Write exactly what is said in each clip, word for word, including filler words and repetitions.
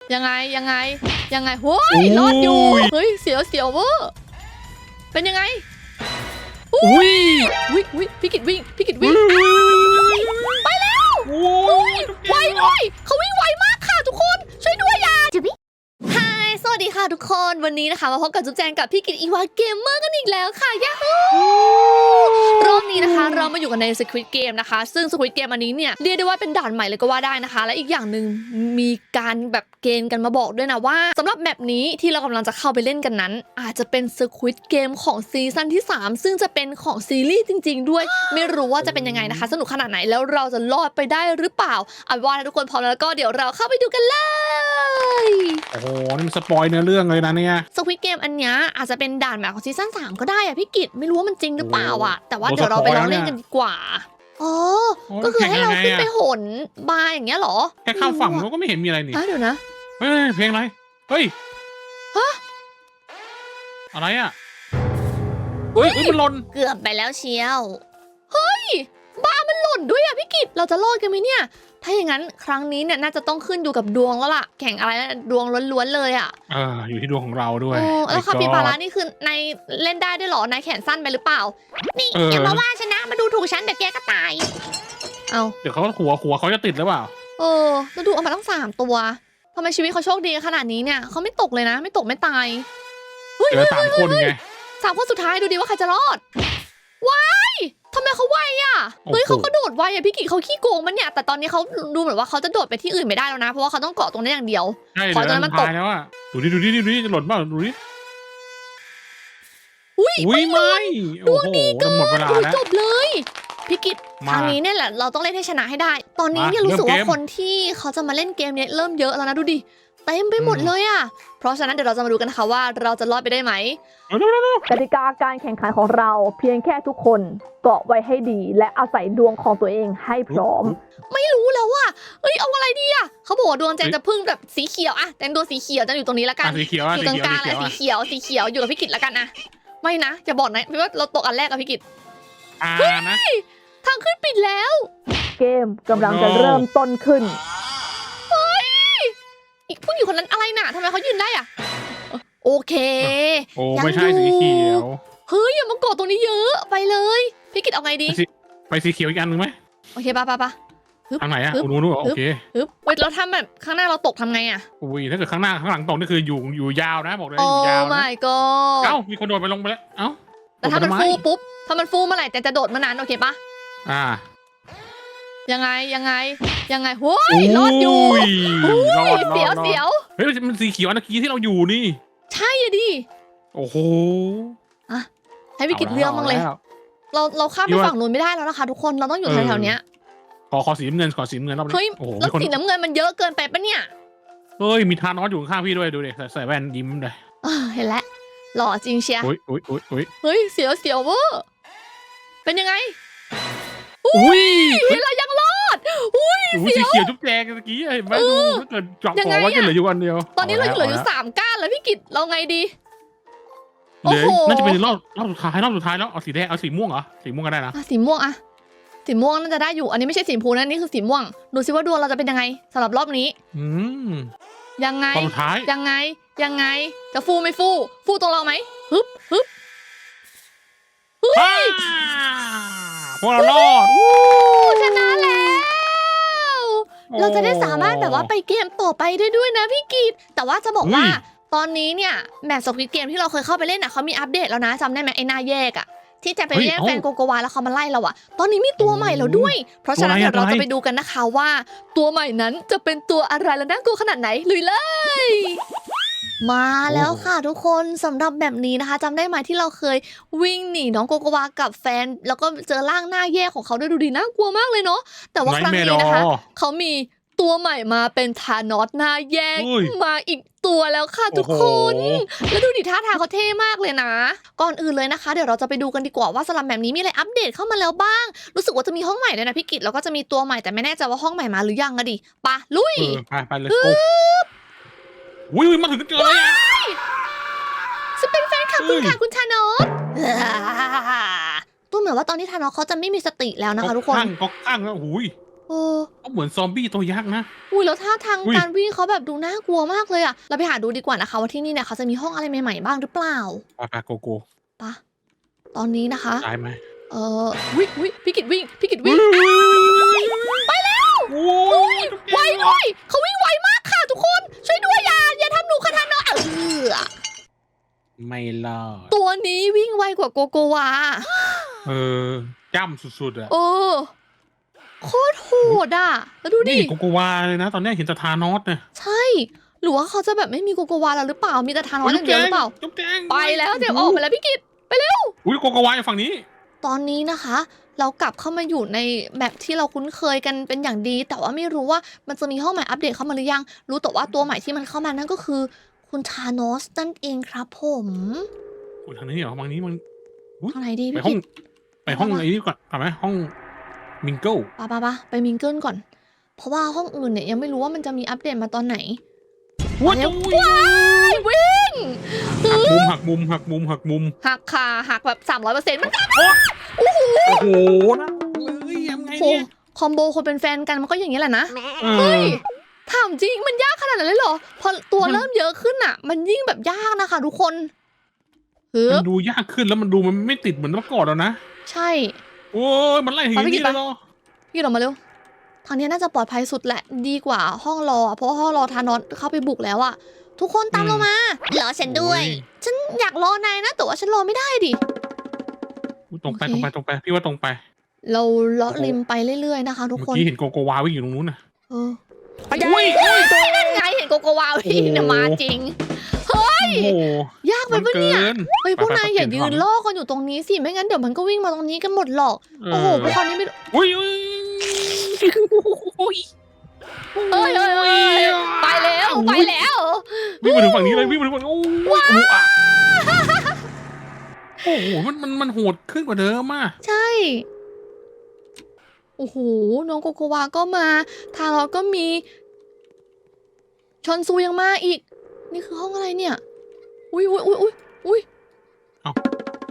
ยังไงยังไงยังไงโว้ยรอดอยู่เฮ้ยเสียวเสียวเวอร์เป็นยังไงอุ้ยวิ่งวิ่งพี่กิตวิ่งพี่กิตวิ่งไปแล้วโอ้ยไวด้วยเขาวิ่งไวมากค่ะทุกคนช่วยด้วยอย่าจุ๊บฮายสวัสดีค่ะทุกคนวันนี้นะคะมาพบกับจุ๊บแจงกับพี่กิตอีวาเกมเมอร์กันอีกแล้วค่ะยาฮูรอบนี้นะคะเรามาอยู่กันใน Squid Game นะคะซึ่ง Squid Game อันนี้เนี่ยเรียกได้ว่าเป็นด่านใหม่เลยก็ว่าได้นะคะและอีกอย่างหนึ่งมีการแบบเกณฑ์กันมาบอกด้วยนะว่าสำหรับแมปนี้ที่เรากำลังจะเข้าไปเล่นกันนั้นอาจจะเป็น Squid Game ของซีซั่นที่สามซึ่งจะเป็นของซีรีส์จริงๆด้วยไม่รู้ว่าจะเป็นยังไงนะคะสนุกขนาดไหนแล้วเราจะรอดไปได้หรือเปล่าเอาเป็นว่าทุกคนพร้อมแล้วก็เดี๋ยวเราเข้าไปดูกันเลยโอ้โหนี่มันสปอยเนื้อเรื่องเลยนะเนี่ย Squid Game อันนี้อาจจะเป็นด่านแบบของซีซั่นสามก็ได้อะพี่กิตไม่รู้ว่ามันจริงหรือเปล่าอะแต่ว่าเดี๋ยวเราไปลองเล่นกันดีกว่าอ๋อก็คือให้เราขึ้นไปโหนบาร์อย่างเงี้ยเหรอแค่ข้ามฝั่งเราก็ไม่เห็นมีอะไรนี่เดี๋ยวนะเฮ้ยเพลงอะไรเฮ้ยฮะอะไรอ่ะเฮ้ยมันหล่นเกือบไปแล้วเชียวเฮ้ยบาร์มันหล่นด้วยอะพี่กิตเราจะรอดกันไหมเนี่ยถ้าอย่างนั้นครั้งนี้เนี่ยน่าจะต้องขึ้นอยู่กับดวงแล้วล่ะแข่งอะไรดวงล้วนๆเลยอ่ะเอออยู่ที่ดวงของเราด้วยแล้วคาปิบาร่านี่คือในเล่นได้ด้วยหรอนายแขนสั้นไปหรือเปล่านี่อย่ามาว่าฉันนะมาดูถูกฉันเดี๋ยวแกก็ตายเอาเดี๋ยวเขาหัวหัวเขาจะติดหรือเปล่าเออแล้วดูเอามาตั้งสามตัวทำไมชีวิตเขาโชคดีขนาดนี้เนี่ยเขาไม่ตกเลยนะไม่ตกไม่ตายเหลือสามคนไงสามคนสุดท้ายดูดิว่าใครจะรอดว้ายทำไมเขาไวอ่ะเฮ้ยเขาก็โดดไวอ่ะพี่กิเขาขี้โกงมันเนี่ยแต่ตอนนี้เขาดูเหมือนว่าเขาจะโดดไปที่อื่นไม่ได้แล้วนะเพราะว่าเขาต้องเกาะตรงนี้อย่างเดียวขอตรงนั้นมันตกแล้วอ่ะดูดิดูดิดูดิจะหล่นบ้างดูดิอุ้ยไม่ดวงดีเกินหมดเวลาแล้วจบเลยพี่กิตครั้งนี้เนี่ยแหละเราต้องเล่นให้ชนะให้ได้ตอนนี้เนี่ยรู้สึกว่าคนที่เขาจะมาเล่นเกมนี้เริ่มเยอะแล้วนะดูดิเต็มไปหมดเลยอ่ะเพราะฉะนั้นเดี๋ยวเราจะมาดูกันนะคะว่าเราจะรอดไปได้ไหมกติกาการแข่งขันของเราเพียงแค่ทุกคนเกาะไว้ให้ดีและอาศัยดวงของตัวเองให้พร้อมไม่รู้แล้วว่าเอ้ยเอาอะไรดีอ่ะเขาบอกว่าดวงแจงจะพึ่งแบบสีเขียวอ่ะแจงดวงสีเขียวจะอยู่ตรงนี้แล้วกันอยู่ตรงกลางเลยสีเขียวสีเขียวอยู่กับพี่กิตแล้วกันนะไม่นะอย่าบอกนะว่าเราตกอันแรกกับพี่กิตเฮ้ยทางขึ้นปิดแล้วเกมกำลังจะเริ่มต้นขึ้นเฮ้ยอีกผู้หญิงคนนั้นอะไรน่ะทำไมเขายืนได้อ่ะโอเคโอ้ไม่ใช่สีเขียวเฮ้ยอย่ามากดตรงนี้เยอะไปเลยพี่กิตเอาไงดีไปสีเขียวอีกอันหนึ่งไหมโอเคป่ะป่ะป่ะทางไหนอ่ะนู้นนู้นโอเคฮึบเว้ยเราทำแบบข้างหน้าเราตกทำไงอ่ะอุ้ยถ้าเกิดข้างหน้าข้างหลังตกนี่คืออยู่อยู่ยาวนะบอกเลยอยู่ยาวนะโอ้ my god เอ้ามีคนโดดไปลงไปแล้วเอ้าแต่ถ้ามันฟูปุ๊บถ้ามันฟูเมื่อไหร่แต่จะโดดมานานโอเคป่ะอ่ายังไงยังไงยังไงโว้ยรอดอยู่รอดเสียวเสียวเฮ้ยมันสีเขียวนะกี้ที่เราอยู่นี่ใช่ดิโอ้โหอ่ะให้วิกฤตเรื่องบ้างเลยเราเราข้ามไปฝั่งนู้นไม่ได้แล้วนะคะทุกคนเราต้องอยู่แถวๆเนี้ยขอขอสีน้ำเงินขอสีน้ำเงินรอบนี้เฮ้ยแล้วสีน้ำเงินมันเยอะเกินไปปะเนี่ยเฮ้ยมีทานอสอยู่ข้างพี่ด้วยดูดิใส่แว่นยิ้มเลยเห็นแล้วหล่อจริงเชียร์อุ้ยอุ้ยอุ้ยอุ้ยเฮ้ยเสียวเสียวเวอร์เป็นยังไงอุ้ยเรายังรอดอุ้ยสีเขียวจุ๊บแจงเมื่อกี้เห็นไหมดูถ้าเกิดเจาะคอว่าจะเหลืออยู่วันเดียวตอนนี้เราเหลืออยู่สามก้านแล้วพี่กิตเราไงดีโอ้โหน่าจะเป็นรอบรอบสุดท้ายรอบสุดท้ายแล้วเอาสีแดงเอาสีม่วงเหรอสีม่วงก็ได้นะสีม่วงอะสีม่วงน่าจะได้อยู่อันนี้ไม่ใช่สีชมพูนะนี่คือสีม่วงดูซิว่าดวงเราจะเป็นยังไงสำหรับรอบนี้อืมยังไงรอบสุดท้ายยังไงยังไงจะฟูไม่ฟูฟูตรงเราไหมฮึบฮึบเฮ้ยพวกเรารอดชนะแล้วเราจะได้สามารถแบบว่าไปเกมต่อไปได้ด้วยนะพี่กีดแต่ว่าจะบอกว่าตอนนี้เนี่ยแมปสควิดเกมที่เราเคยเข้าไปเล่นอ่ะเขามีอัปเดตแล้วนะจำได้ไหมไอ้หน้าแยกอ่ะที่จะไปแย่งแฟนโกโกวาแล้วเขามาไล่เราอ่ะตอนนี้มีตัวใหม่แล้วด้วยเพราะฉะนั้นเดี๋ยวเราจะไปดูกันนะคะว่าตัวใหม่นั้นจะเป็นตัวอะไรและน่ากลัวขนาดไหนลุยเลยมาแล้วค่ะทุกคนสำหรับแบบนี้นะคะจำได้ไหมที่เราเคยวิ่งหนีน้องโกโกวากับแฟนแล้วก็เจอร่างหน้าแย่ของเขาด้วยดูดีน่ากลัวมากเลยเนาะแต่ว่าครั้งนี้นะคะเขามีตัวใหม่มาเป็นธานอสหน้าแย่มาอีกตัวแล้วค่ะทุกคนแล้วดูดิท่าทางเขาเท่มากเลยนะก่อนอื่นเลยนะคะเดี๋ยวเราจะไปดูกันดีกว่าว่าสลัมแบบนี้มีอะไรอัปเดตเข้ามาแล้วบ้างรู้สึกว่าจะมีห้องใหม่ด้วยนะพี่กิตแล้วก็จะมีตัวใหม่แต่ไม่แน่ใจว่าห้องใหม่มาหรือยังอะดิปะลุยไปไปเลยอุ้ยมาถึงเจอเลยฉันเป็นแฟนคลับคุณค่ะคุณธานอสตัวเหมือนว่าตอนนี้ธานอสเขาจะไม่มีสติแล้วนะคะทุกคนข้างก็ข้างแล้วหุยโอ้เขาเหมือนซอมบี้ตัวยักษ์นะอุ้ยแล้วท่าทางอุ๊ยการวิ่งเขาแบบดูน่ากลัวมากเลยอะเราไปหาดูดีกว่านะคะว่าที่นี่เนี่ยเขาจะมีห้องอะไรใหม่ๆบ้างหรือเปล่าปาปาโกโก้ปะตอนนี้นะคะตายไหมเออวิวิพี่กิดวิ่งพี่กิดวิ่งไปแล้วโอ้อุ้ยยไวด้วยเขาวิ่งไวมากค่ะทุกคนช่วยด้วยอย่าอย่าทำหนูคาทานะเออไม่รอดตัวนี้วิ่งไวกว่าโกโกวาเออจ้ำสุดๆอะเออโคตรโหดอะแล้วดูดินี่โกโกวาเลยนะ ตอนนี้เห็นแต่ทานอสเนี่ยใช่หรือว่าเขาจะแบบไม่มีโกโกวาแล้วหรือเปล่ามีแต่ทานอสอย่างเดียวหรือเปล่าจุ๊บแจงไปแล้วเดี๋ยวออกไปแล้วพี่กิตไปเร็วอุ้ยโกโกวาอยู่ฝั่งนี้ตอนนี้นะคะ เรากลับเข้ามาอยู่ในแมปที่เราคุ้นเคยกันเป็นอย่างดี แต่ว่าไม่รู้ว่ามันจะมีห้องใหม่อัปเดตเข้ามาหรือยัง รู้แต่ว่าตัวใหม่ที่มันเข้ามานั่นก็คือ คุณทานอสนั่นเองครับผมอุ้ยทางนี้เหรอทางนี้มันทางไหนดีไปพี่ห้อกิงตไปห้องไอ้นี่ก่อนไปไหมห้องมิงเกิลปะปะปะไปมิงเกิลก่อน เพราะว่าห้องอื่นเนี่ยยังไม่รู้ว่ามันจะมีอัปเดตมาตอนไหนว้าเร็วว้ายวิ่งหักมุมหักมุมหักมุมหักมุมหักคาหักแบบสามร้อยเปอร์เซ็นต์มันโอ้โหนะเลยยังไงโอ้เนี่ยคอมโบคนเป็นแฟนกันมันก็อย่างนี้แหละนะเอเฮ้อยถามจริงมันยากขนาดนั้นเลยเหรอ พอตัวมันเริ่มเยอะขึ้นอ่ะ มันยิ่งแบบยากนะคะทุกคนเฮ้มัยนดูยากขึ้นแล้วมันดูมันไม่ติดเหมือนเมื่อก่อนแล้วนะใช่โอ้ยมันไล่ถึงไปพี่นี่กิตไปแล้วเหรอพี่ออกมาเร็ว ทางนี้น่าจะปลอดภัยสุดแหละ ดีกว่าห้องรออะเพราะว่าห้องรอทานอสเข้าไปบุกแล้วอะทุกคนตามเรามารอฉันด้วย ฉันอยากรอนายนะแต่ว่าฉันรอไม่ได้ดิอุ๊ยตรงไปโอเคตรงไปตรงไปพี่ว่าตรงไปเราเลาะริมไปเรื่อยๆนะคะ ทุกเมื่อคนกี้เห็นโกโกวาวิ่งอยู่ตรงนู้นน่ะเอออุ้ยเฮ้ยนั่นไงเห็นโกโกวาวิ่งเนี่ยมาจริงโอ้โหยากไปมันปะเกิเนี่ยนเฮ้ยพวกนายอย่าไปๆๆยืนล่อกันอยู่ตรงนี้สิไม่งั้นเดี๋ยวมันก็วิ่งมาตรงนี้กันหมดหรอกเอโอ้โหพวกอเขานี่ไม่อุ้ยอุ้ยอุ้ยเอ้ยเอ้ยเอ้ยไปแล้วไปแล้ววิ่งมาถึงฝั่งนี้เลยวิ่งมาถึงฝั่งนี้โอ้ยโอ้โหอ่ะโอ้โหมันมันมันโหดขึ้นกว่าเดิมอ่ะใช่ โอ้โห น้องโกโกวาก็มา ทางเราก็มี ชอนซูยังมาอีก นี่คือห้องอะไรเนี่ย อุ้ยอุ้ยอุ้ยอุ้ยอุ้ยเอ้า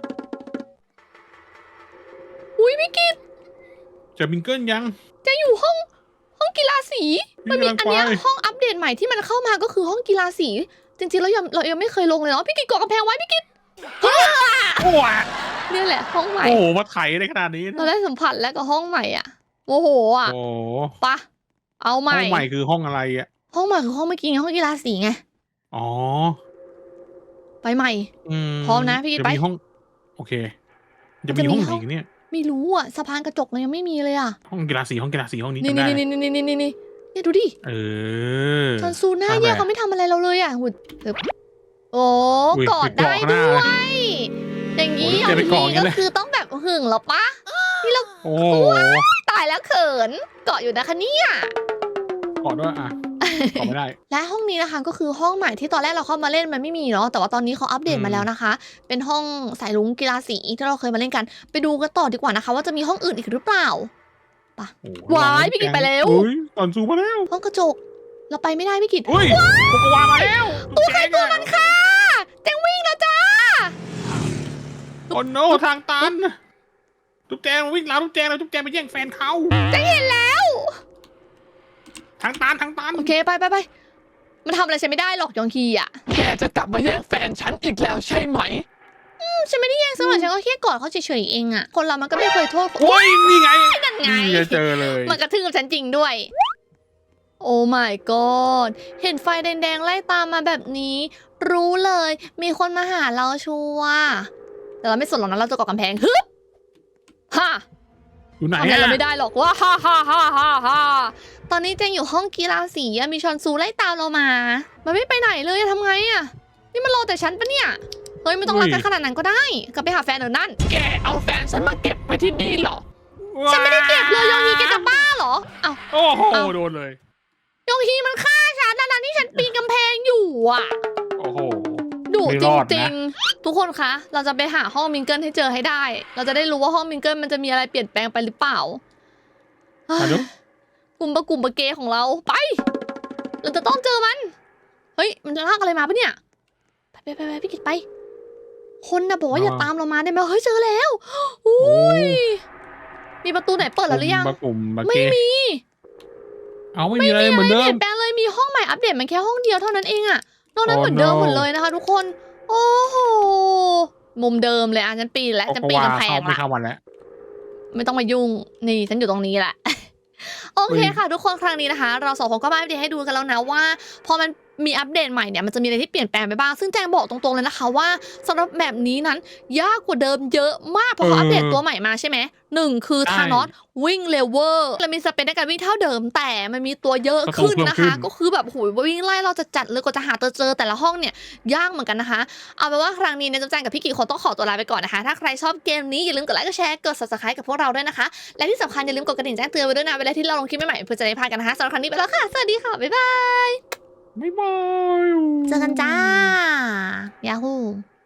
อุ้ยพี่กิตเจะมิงเกิลยังจะอยู่ห้อง ห้องกีฬาสี มันมีกำลังอันเนี้ยไปห้องอัปเดตใหม่ที่มันเข้ามาก็คือห้องกีฬาสี จริงๆแล้วยังเรายังไม่เคยลงเลยเนาะ พี่กิตกดกำแพงไว้พี่กิตโอ้ยเนี่ยแหละห้องใหม่โอ้โหมาไถในขนาดนี้เราได้สัมผัสแล้วกับห้องใหม่อ่ะโมโหอ่ะโอ้โหปะเอาใหห้ม่องใหม่คือห้องอะไรอ่ะห้องใหม่คือห้องเมื่อกี้ไงห้องกีฬาสีไงอ๋อไปใหม่อืมพร้อมนะพี่จะไปมีห้อง โอเค จะมันจะมีมีห้องไหห้นองอีกเนี่ยไม่รู้อ่ะสะพานกระจกเรายังไม่มีเลยอ่ะห้องกีฬาสีห้องกีฬาสีห้องนี้นี่จำได้นี่นี่นี่นี่นี่นี่เนี่ยดูดิเออชอนซูหน้าทำไมแย่เขาไม่ทำอะไรเราเลยอ่ะหุดฮึบโอ้อุ้ยกอดได้เกาะหน้าด้วย อย่างนี้โอ้ยเอาเดี๋ยวไปทีเกาะอย่างนี้ก็เลยคือต้องแบบหึงเหรอปะโอ้โหตายแล้วเขินเกาะอยู่นะคะเนี่ยกอดด้วยอ่ะกอดไม่ได้และห้องนี้นะคะก็คือห้องใหม่ที่ตอนแรกเราเข้ามาเล่นมันไม่มีเนาะแต่ว่าตอนนี้เขาอัปเดตอืมมาแล้วนะคะ เป็นห้องสายลุงกีฬาสีที่เราเคยมาเล่นกัน ไปดูกันต่อดีกว่านะคะ ว่าจะมีห้องอื่นอีกหรือเปล่าโอ้โหว้ายพี่กิตไปแล้วเฮ้ยตอนซูมาแล้วห้องกระจก เราไปไม่ได้พี่กิตเฮ้ยโกโกวามาแล้วตัวใครตัวมันค่ะแจงวิ่งแล้วจ้าโอ้โนทางตันทุกแจงวิ่งแล้วทุกแจงแล้วทุกแจงไปแย่งแฟนเขาแจงเห็นแล้วทางตันทางตันโอเคไปไปไปมันทำอะไรฉันไม่ได้หรอกยองคีอ่ะแกจะกลับมาแย่งแฟนฉันอีกแล้วใช่ไหมอืมฉันไม่ได้แย่งสำหรับฉันก็แค่กอดเขาเฉยๆเองอ่ะคนเรามันก็ไม่เคยโทษคนโอ้ยนี่ไงนั่นไงนี่จะเจอเลยมันกระทืบฉันจริงด้วย โอ้ my god เห็นไฟแดงๆไล่ตามมาแบบนี้ รู้เลย มีคนมาหาเราชัวร์แต่เราไม่สนหรอกนะเราจะเกาะกำแพงฮึบฮ่าอยู่ไหนทำอะไรอะเราไม่ได้หรอกว่าฮ่าฮ่าฮ่าฮ่าฮ่าตอนนี้เจงอยู่ห้องกีฬาสีอะมีชอนซูไล่ตามเรามา มันไม่ไปไหนเลยอะทำไงอะนี่มันรอแต่ฉันปะเนี่ย เฮ้ยไม่ต้องรักกันขนาดนั้นก็ได้ กลับไปหาแฟนเดี๋ยวนั่นแกเอาแฟนฉันมาเก็บไว้ที่นี่เหรอฉันไม่ได้เก็บเลยยองฮีแกจะบ้าเหรอ เอ้าโอ้โหเอาโดนเลยยองฮีมันฆ่าฉันนะที่ฉันปีนกำแพงอยู่อะโอ้โหดุไม่จรอดรินะงๆ ทุกคนคะ เราจะไปหาห้องมิงเกิลให้เจอให้ได้ เราจะได้รู้ว่าห้องมิงเกิลมันจะมีอะไรเปลี่ยนแปลงไปหรือเปล่ามาดูกลุ่มประกลุ่มประเกของเราไป เราจะต้องเจอมัน เฮ้ย มันจะลากอะไรมาปะเนี่ย ไปไปไปไปพี่กิตไป คนนะบอกว่าอย่าตามเรามาได้ไหมเฮ้ยเจอแล้วอุ้ยมีประตูไหนเปิดแล้วหรือยังบะกลุ่มบะไม่เกมีเอาไม่มีอะไรเหมือนเดิเปลี่มยนแปลงเลยมีห้องใหม่อัปเดตมันแค่ห้องเดียวเท่านั้นเองอะนอกนั้นเหมือนเดิมหมดเลยนะคะทุกคนโอ้โหมุมเดิมเลยอ่ะฉันปีนแล้วฉันปีนกำแพงไม่ละเข้าวันแล้วไม่ต้องมายุ่งนี่ฉันอยู่ตรงนี้แหละ โอเคค่ะทุกคนครั้งนี้นะคะ เราสองคนก็มาอัปเดตให้ดูกันแล้วนะว่าพอมันมีอัปเดตใหม่เนี่ยมันจะมีอะไรที่เปลี่ยนแปลงไปบ้างซึ่งแจงบอกตรงๆเลยนะคะว่าสำหรับแบบนี้นั้นยากกว่าเดิมเยอะมากเพราะเขาอัปเดตตัวใหม่มาใช่ไหมหนึ่งคือธานอสวิ่งเร็วเวอร์และมีสเปนในการวิ่งเท่าเดิมแต่มันมีตัวเยอะขึ้นนะคะ ก็คือแบบโหยวิ่งไล่เราจะจัดเลยกว่าจะหาตัวเจอแต่ละห้องเนี่ยยากเหมือนกันนะคะเอาเป็นว่าครั้งนี้เนี่ยจุ๊บแจงกับพี่กิ๊กคงต้องขอตัวลาไปก่อนนะคะถ้าใครชอบเกมนี้อย่าลืมกดไลค์กดแชร์กด ซับสไครบ์ กับพวกเราด้วยนะคะและที่สำคัญอย่าลืมกดกระดิ่งแจ้งเตือนไว้ด้วยนะเวลาที่เราลงคลิปใหม่ๆเพื่อจะได้พลาดกันนะคะสำหรับครั้งนี้ไปแล้วค่ะสวัสดีค่ะบ๊ายบายบ๊ายบายเจอกันจ้ายาฮู